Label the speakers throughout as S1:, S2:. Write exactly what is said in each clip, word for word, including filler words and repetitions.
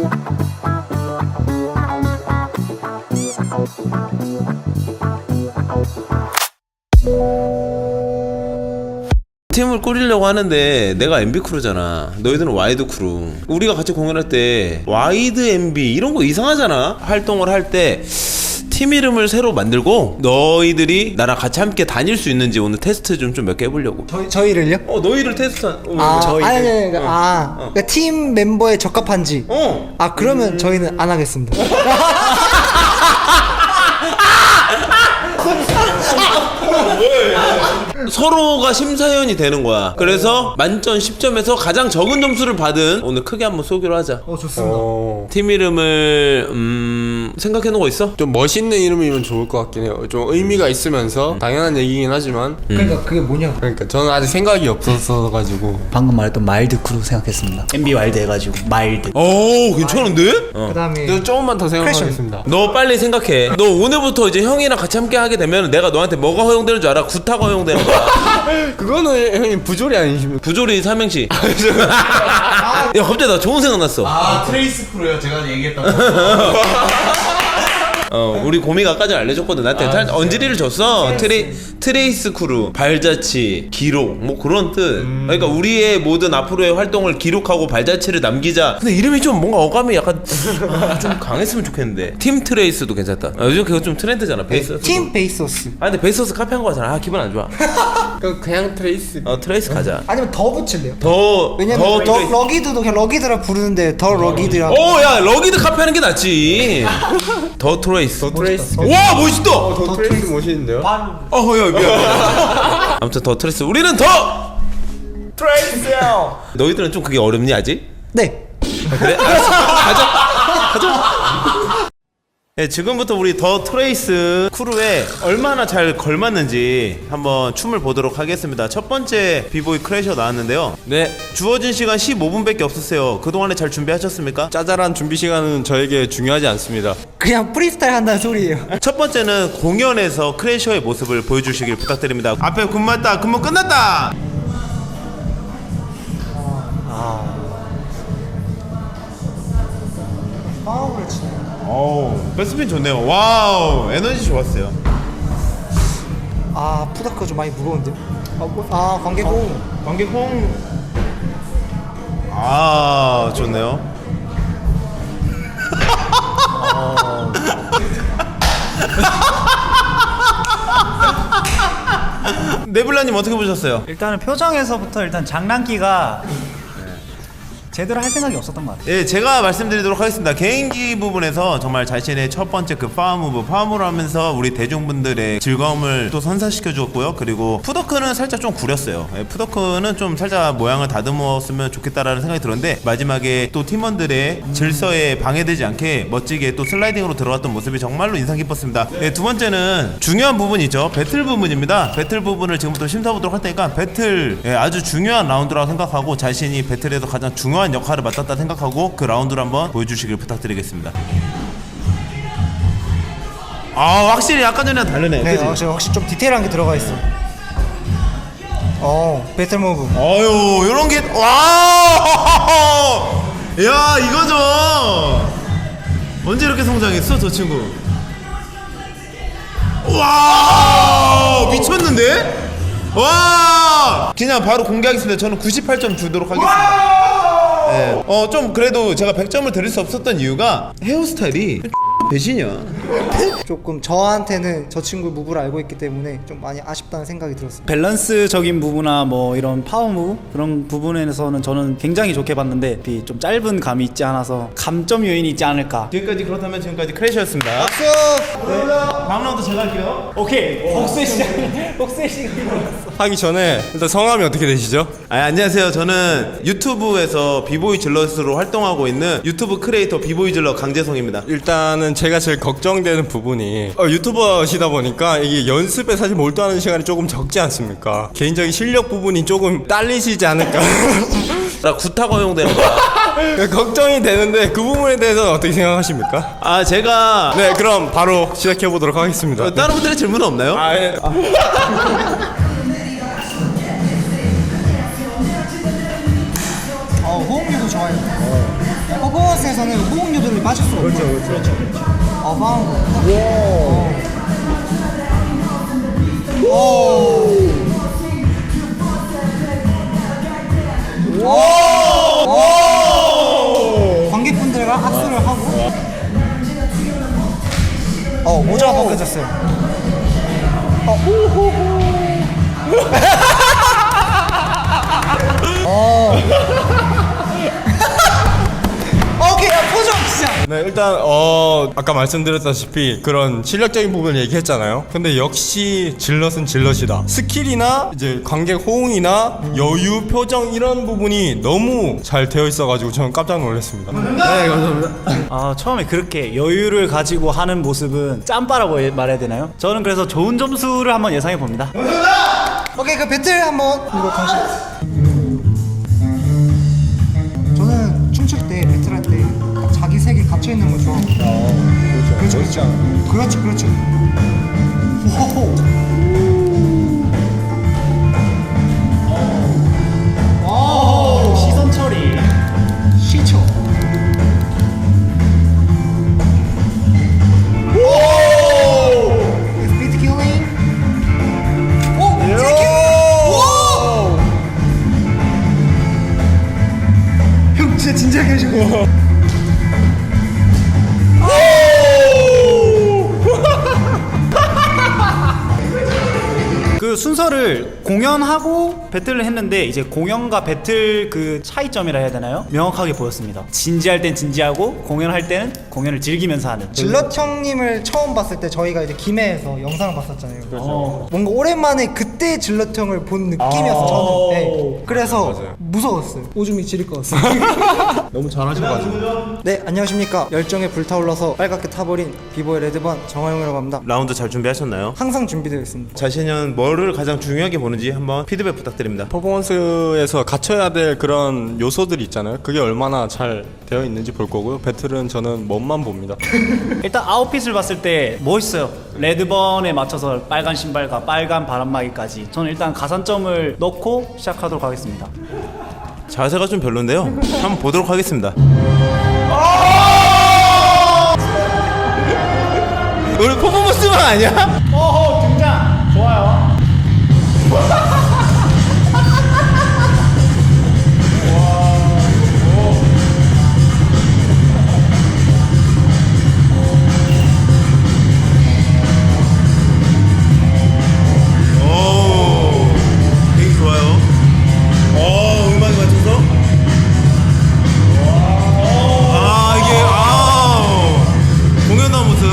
S1: 팀을 꾸리려고 하는데 내가 엠비 크루잖아. 너희들은 와이드 크루. 우리가 같이 공연할 때 와이드 엠비 이런 거 이상하잖아. 활동을 할 때 팀 이름을 새로 만들고 너희들이 나랑 같이 함께 다닐 수 있는지 오늘 테스트 좀 좀 몇 개 해보려고.
S2: 저희 저희를요?
S1: 어 너희를 테스트. 어,
S2: 아,
S1: 저희를.
S2: 아니, 아니, 아니,
S1: 어.
S2: 아,
S1: 어.
S2: 그러니까 팀 멤버에 적합한지.
S1: 어.
S2: 아, 그러면 저희는 안 하겠습니다.
S1: 서로가 심사위원이 되는 거야. 그래서 만점 십 점에서 가장 적은 점수를 받은 오늘 크게 한번 쏘기로 하자.
S2: 어, 좋습니다.
S3: 어...
S1: 팀 이름을 음 생각해 놓은 거 있어?
S3: 좀 멋있는 이름이면 좋을 것 같긴 해요. 좀 의미가 있으면서 당연한 얘기긴 하지만
S2: 그러니까 그게 뭐냐고.
S3: 그러니까 저는 아직 생각이 없었어 가지고
S4: 방금 말했던 마일드 크루 생각했습니다. 엠비 와일드 해가지고 마일드.
S1: 오 괜찮은데? 어.
S2: 그다음에
S3: 저 조금만 더 생각하겠습니다.
S1: 너 빨리 생각해. 너 오늘부터 이제 형이랑 같이 함께 하게 되면 내가 너한테 뭐가 허용되는 줄 알아? 구타가 허용되는 거야.
S3: 그거는 형님 부조리 아니십니까?
S1: 부조리 삼행시. 야 갑자기 나 좋은 생각 났어.
S5: 아 트레이스 크루요. 제가 얘기했던
S1: 어 우리 고미가 아까 전에 알려줬거든. 나한테 아, 언지리를 줬어. 트레 트레이스 크루, 발자취, 기록 뭐 그런 뜻. 음. 그러니까 우리의 모든 앞으로의 활동을 기록하고 발자취를 남기자. 근데 이름이 좀 뭔가 어감이 약간 아, 좀 강했으면 좋겠는데. 팀 트레이스도 괜찮다. 아, 요즘 그거 좀 트렌드잖아. 베이스.
S2: 팀 베이소스.
S1: 아 근데 베이소스 카피한 거 같잖아. 아 기분 안 좋아.
S3: 그 그냥 트레이스.
S1: 어 트레이스 가자.
S2: 아니면 더 붙일래요?
S1: 더
S2: 왜냐면
S1: 더
S2: 더,
S1: 트레이스.
S2: 러기드도 그냥 러기드라 부르는데 더 러기드라.
S1: 오, 야, 러기드 카피하는 게 낫지. 더 트레이스.
S3: 더 트레이스.
S1: 와, 멋있다. 어,
S3: 더 트레이스 멋있는데요?
S1: 야, 미안. 아무튼 더 트레이스. 우리는 더 트레이스요. 너희들은 좀 그게 어렵니 아직?
S2: 네.
S1: 아, 그래? 알았어. 가자. 가자. 네, 지금부터 우리 더 트레이스 크루에 얼마나 잘 걸맞는지 한번 춤을 보도록 하겠습니다. 첫 번째 비보이 크래셔 나왔는데요.
S3: 네.
S1: 주어진 시간 십오 분밖에 없었어요. 그동안에 잘 준비하셨습니까?
S3: 짜잘한 준비 시간은 저에게 중요하지 않습니다.
S2: 그냥 프리스타일 한다는 소리예요.
S1: 첫 번째는 공연에서 크래셔의 모습을 보여주시길 부탁드립니다. 앞에 근무 했다. 근무 끝났다.
S2: 파워를 치네.
S1: 오, 백스핀 좋네요. 와우, 에너지 좋았어요.
S2: 아, 푸다크가 좀 많이 무거운데요? 아, 뭐, 아 관계고.
S1: 관객홍. 아, 좋네요. 네블라님 어떻게 보셨어요?
S4: 일단은 표정에서부터 일단 장난기가 제대로 할 생각이 없었던 것 같아요.
S1: 예, 제가 말씀드리도록 하겠습니다. 개인기 부분에서 정말 자신의 첫 번째 그 파워무브, 파워무브를 하면서 우리 대중분들의 즐거움을 또 선사시켜 주었고요. 그리고 푸더크는 살짝 좀 구렸어요. 예, 푸더크는 좀 살짝 모양을 다듬었으면 좋겠다라는 생각이 들었는데 마지막에 또 팀원들의 질서에 방해되지 않게 멋지게 또 슬라이딩으로 들어갔던 모습이 정말로 인상 깊었습니다. 예, 두 번째는 중요한 부분이죠. 배틀 부분입니다. 배틀 부분을 지금부터 심사보도록 할 테니까 배틀 예, 아주 중요한 라운드라고 생각하고 자신이 배틀에서 가장 중요한 역할을 맡았다 생각하고 그 라운드를 한번 보여주시길 부탁드리겠습니다. 아 확실히 아까 전이랑 다르네.
S2: 네,
S1: 그치?
S2: 확실히, 확실히 좀 디테일한 게 들어가 있어. 어, 배틀 무브.
S1: 어유 요런 게 와! 야 이거죠. 언제 이렇게 성장했어 저 친구? 와 미쳤는데? 와 그냥 바로 공개하겠습니다. 저는 구십팔 점 주도록 하겠습니다. 네. 어, 좀 그래도 제가 백 점을 드릴 수 없었던 이유가 헤어스타일이 배신이야.
S2: 조금 저한테는 저 친구의 무브를 알고 있기 때문에 좀 많이 아쉽다는 생각이 들었습니다.
S4: 밸런스적인 부분이나 뭐 이런 파워 무브 그런 부분에서는 저는 굉장히 좋게 봤는데 좀 짧은 감이 있지 않아서 감점 요인이 있지 않을까.
S1: 지금까지 그렇다면 지금까지 크래쉬였습니다.
S2: 박수!
S1: 네. 다음 라운드 제가 할게요.
S4: 오케이. 복수의 시작. 복수의 시간이
S3: 하기 전에 일단 성함이 어떻게 되시죠?
S1: 아, 안녕하세요. 저는 유튜브에서 비보이 질럿으로 활동하고 있는 유튜브 크리에이터 비보이 질럿 강재성입니다.
S3: 일단은 제가 제일 걱정되는 부분이 어, 유튜버시다 보니까 이게 연습에 사실 몰두하는 시간이 조금 적지 않습니까? 개인적인 실력 부분이 조금 딸리시지 않을까
S1: 나 구타가 허용되는 거야.
S3: 걱정이 되는데 그 부분에 대해서는 어떻게 생각하십니까?
S1: 아 제가
S3: 네, 그럼 바로 시작해 보도록 하겠습니다.
S1: 어, 다른 분들의 질문은 없나요?
S3: 아, 예.
S2: 어, 호응률도 좋아요. 퍼포먼스에서 부분에서는 호응 요소를 빠질 수가 없어요. 그렇죠, 그렇죠. 어, 파워무브. 오. 오. 오. 관객분들과 악수를 하고. 어, 모자가 벗겨졌어요. 어, 호호호. 어. 오케이, 야, 표정 진짜.
S3: 네, 일단 어 아까 말씀드렸다시피 그런 실력적인 부분을 얘기했잖아요. 근데 역시 질럿은 질럿이다. 스킬이나 이제 관객 호응이나 여유, 표정 이런 부분이 너무 잘 되어 있어가지고 저는 깜짝 놀랐습니다. 네, 감사합니다.
S4: 아 처음에 그렇게 여유를 가지고 하는 모습은 짬바라고 예- 말해야 되나요? 저는 그래서 좋은 점수를 한번 예상해 봅니다.
S2: 오케이, 그 배틀 한번 이거 당신. 저는 춤출 때 배틀할 때 자기 색이 갇혀 있는 거 좋아하고. 그렇죠, 그렇죠, 그렇죠, 그렇죠. 호호. 오,
S4: 시선 처리.
S2: 시초. 오! 스피드 킬링. 오! 킬링. 오! 형 진짜 진지하게 하시고.
S4: 그 순서를 공연하고 배틀을 했는데 이제 공연과 배틀 그 차이점이라 해야 되나요? 명확하게 보였습니다. 진지할 땐 진지하고 공연할 때는 공연을 즐기면서 하는.
S2: 질럿 형님을 처음 봤을 때 저희가 이제 김해에서 영상을 봤었잖아요.
S4: 어.
S2: 뭔가 오랜만에 그때 질럿 형을 본 느낌이었어 저는. 네. 그래서 무서웠어요. 오줌이 지릴 것 같습니다.
S3: 너무 잘하셔가지고.
S2: 네, 안녕하십니까. 열정에 불타올라서 빨갛게 타버린 비보의 레드번 정화용이라고 합니다.
S1: 라운드 잘 준비하셨나요?
S2: 항상 준비되어 있습니다.
S1: 자신은 뭐를 가장 중요하게 보는지 한번 피드백 부탁드립니다.
S3: 퍼포먼스에서 갖춰야 될 그런 요소들이 있잖아요. 그게 얼마나 잘 되어 있는지 볼 거고요. 배틀은 저는 멋만 봅니다.
S4: 일단 아웃핏을 봤을 때 멋있어요. 레드번에 맞춰서 빨간 신발과 빨간 바람막이까지. 저는 일단 가산점을 넣고 시작하도록 하겠습니다.
S1: 자세가 좀 별론데요. 한번 보도록 하겠습니다. 우리 퍼포먼스만 아니야?
S4: 어허 등장 좋아요.
S1: 오, 되게 좋아요. 어, 음악에 맞춰서. 아, 이게 아, 공연한 모습.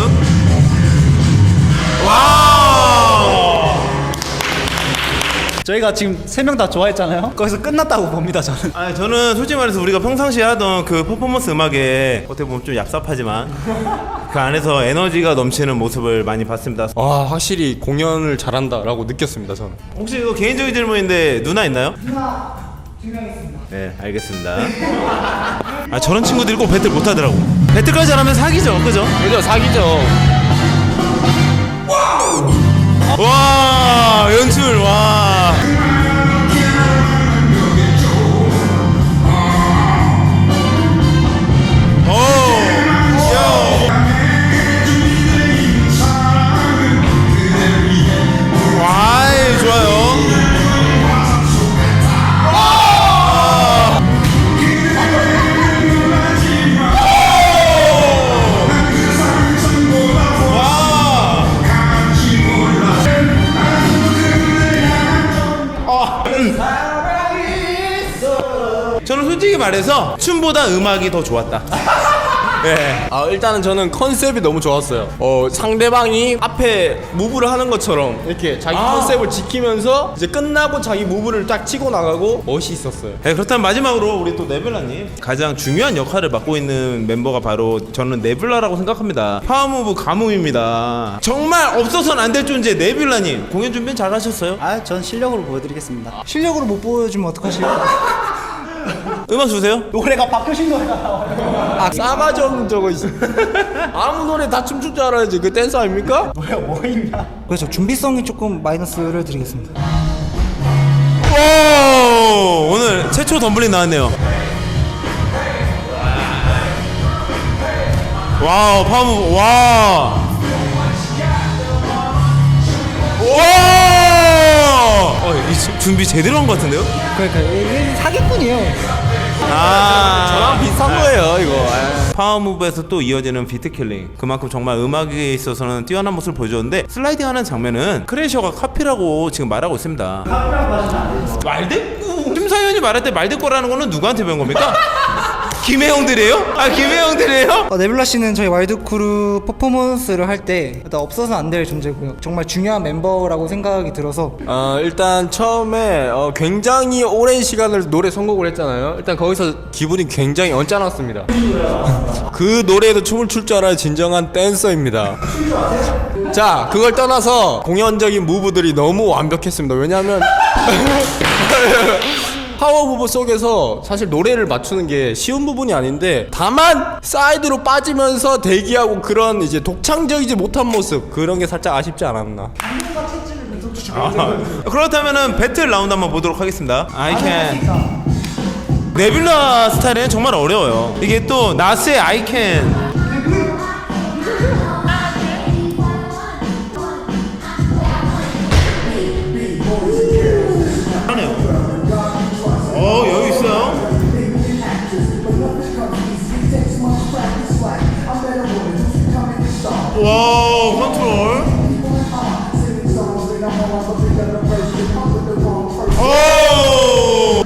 S1: 와.
S4: 저희가 지금 세 명 다 좋아했잖아요. 거기서 끝났다고 봅니다 저는.
S1: 아, 저는 솔직히 말해서 우리가 평상시에 하던 그 퍼포먼스 음악에 어떻게 보면 좀 얍삽하지만 그 안에서 에너지가 넘치는 모습을 많이 봤습니다.
S3: 와, 확실히 공연을 잘한다라고 느꼈습니다. 저는.
S1: 혹시 이거 개인적인 질문인데 누나 있나요?
S2: 누나 두 명 있습니다.
S1: 네, 알겠습니다. 아, 저런 친구들이 꼭 배틀 못하더라고. 배틀까지 잘하면 사기죠, 그죠?
S3: 그죠, 사기죠.
S1: 와, 연출, 와. 오, 야. 와이, 좋아요. 저는 솔직히 말해서 춤보다 음악이 더 좋았다. 네.
S3: 아, 일단은 저는 컨셉이 너무 좋았어요. 어, 상대방이 앞에 무브를 하는 것처럼 이렇게 자기
S1: 아.
S3: 컨셉을 지키면서 이제 끝나고 자기 무브를 딱 치고 나가고 멋이 있었어요.
S1: 네, 그렇다면 마지막으로 우리 또 네블라님 가장 중요한 역할을 맡고 있는 멤버가 바로 저는 네블라라고 생각합니다. 파워무브 가뭄입니다. 정말 없어서는 안 될 존재 네블라님 공연 준비 잘 하셨어요?
S4: 아, 전 실력으로 보여드리겠습니다.
S2: 실력으로 못 보여주면 어떡하시요?
S1: 음악 주세요.
S4: 노래가 박효신 노래가 나와요.
S3: 아, 싸가지 없는 저거 있어. 아무 노래 다 춤출 줄 알아야지. 그 댄서 아닙니까?
S4: 뭐야 뭐 있나?
S2: 그래서 준비성이 조금 마이너스를 드리겠습니다.
S1: 오, 오늘 최초 덤블링 나왔네요. 와우 파워무브 와. 와. 어, 이 준비 제대로 한 것 같은데요?
S2: 그러니까 이게 사기꾼이에요.
S1: 아,
S3: 저랑 비슷한 거예요 이거.
S1: 파워무브에서 또 이어지는 비트킬링, 그만큼 정말 음악에 있어서는 뛰어난 모습을 보여줬는데 슬라이딩하는 장면은 크래셔가 카피라고 지금 말하고 있습니다. 말대꾸. 심사위원이 말할 때 말대꾸라는 거는 누구한테 배운 겁니까? 김혜영들이에요? 아 김혜영들이에요?
S2: 어, 네뷸라 씨는 저희 와일드크루 퍼포먼스를 할 때 일단 없어서는 안 될 존재고요. 정말 중요한 멤버라고 생각이 들어서
S3: 어 일단 처음에 어, 굉장히 오랜 시간을 노래 선곡을 했잖아요. 일단 거기서 기분이 굉장히 언짢았습니다. 그 노래에도 춤을 출 줄 알아야 진정한 댄서입니다. 자, 그걸 떠나서 공연적인 무브들이 너무 완벽했습니다. 왜냐하면 파워무브 속에서 사실 노래를 맞추는 게 쉬운 부분이 아닌데, 다만 사이드로 빠지면서 대기하고 그런 이제 독창적이지 못한 모습, 그런 게 살짝 아쉽지 않았나.
S1: 아, 그렇다면은 배틀 라운드 한번 보도록 하겠습니다. I can. 네뷸라 스타일은 정말 어려워요. 이게 또 나스의 I can. 어 여유 있어요. 와우 컨트롤. 오.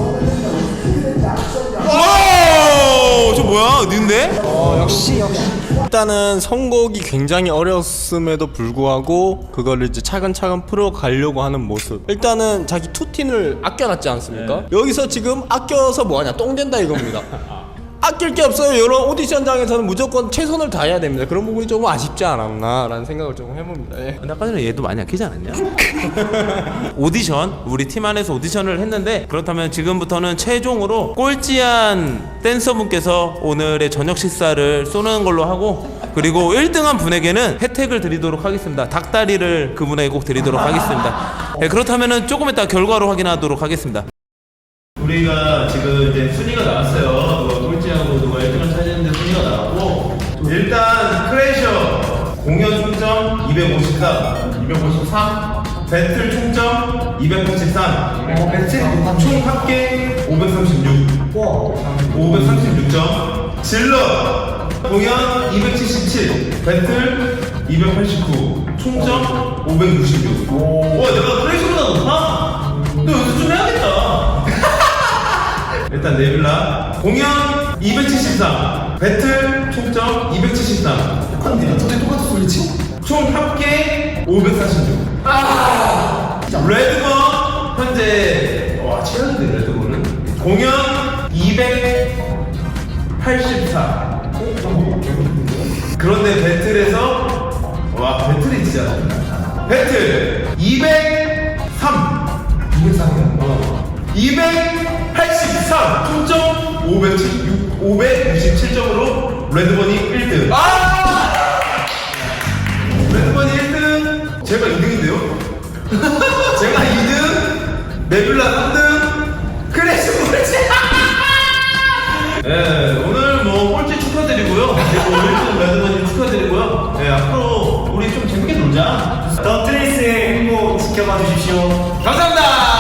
S1: 와우 저 뭐야 는데?
S2: 어, 역시 역시
S3: 일단은 선곡이 굉장히 어려웠음에도 불구하고 그거를 이제 차근차근 풀어가려고 하는 모습. 일단은 자기 투틴을 아껴놨지 않습니까? 여기서 지금 아껴서 뭐하냐, 똥 된다 이겁니다. 아낄 게 없어요. 이런 오디션장에서는 무조건 최선을 다해야 됩니다. 그런 부분이 조금 아쉽지 않았나 라는 생각을 조금 해봅니다. 예.
S1: 근데 아까 전에 얘도 많이 아끼지 않았냐? 오디션, 우리 팀 안에서 오디션을 했는데, 그렇다면 지금부터는 최종으로 꼴찌한 댄서분께서 오늘의 저녁 식사를 쏘는 걸로 하고, 그리고 일 등한 분에게는 혜택을 드리도록 하겠습니다. 닭다리를 그분에게 꼭 드리도록 하겠습니다. 네, 그렇다면 조금 이따 결과로 확인하도록 하겠습니다. 우리가 지금 이제 순위가 나왔어요. 누가 꼴찌하고 누가 일 등을 차지했는데 순위가 나왔고, 일단 크래셔 공연 총점 이백오십삼, 이백오십삼, 배틀 총점 이백팔십삼,
S2: 어, 배틀
S1: 총 합계 오백삼십육, 오백삼십육 점. 질러 공연 이백칠십칠, 배틀 이백팔십구, 총점 오백육십육. 와 내가 크래셔보다 높아? 너 연습 좀 해야겠다. 일단 네뷸라 공연 이백칠십삼, 배틀 총점 이백칠십삼.
S2: 똑같네. 저게 똑같은 소리지?
S1: 총 합계 오백사십육. 아! 레드건 현재 와 최악인데 레드건은 공연 이백팔십사. 그런데 배틀에서 와 배틀이 진짜 나온다. 배틀 이백삼. 이백삼이요? 어. 이백팔십삼 총점 오백육십육, 오백육십칠 점으로 레드번이 일 등. 아! 레드번이 일 등, 제가 이 등인데요? 제가 이 등, 네뷸라 삼 등, 크래시 꼴찌! 네, 오늘 뭐 꼴찌 축하드리고요. 그리고 일 등 레드번이 축하드리고요. 네, 앞으로 우리 좀 재밌게 놀자.
S4: 더 트레이스의 행보 지켜봐 주십시오.
S1: 감사합니다!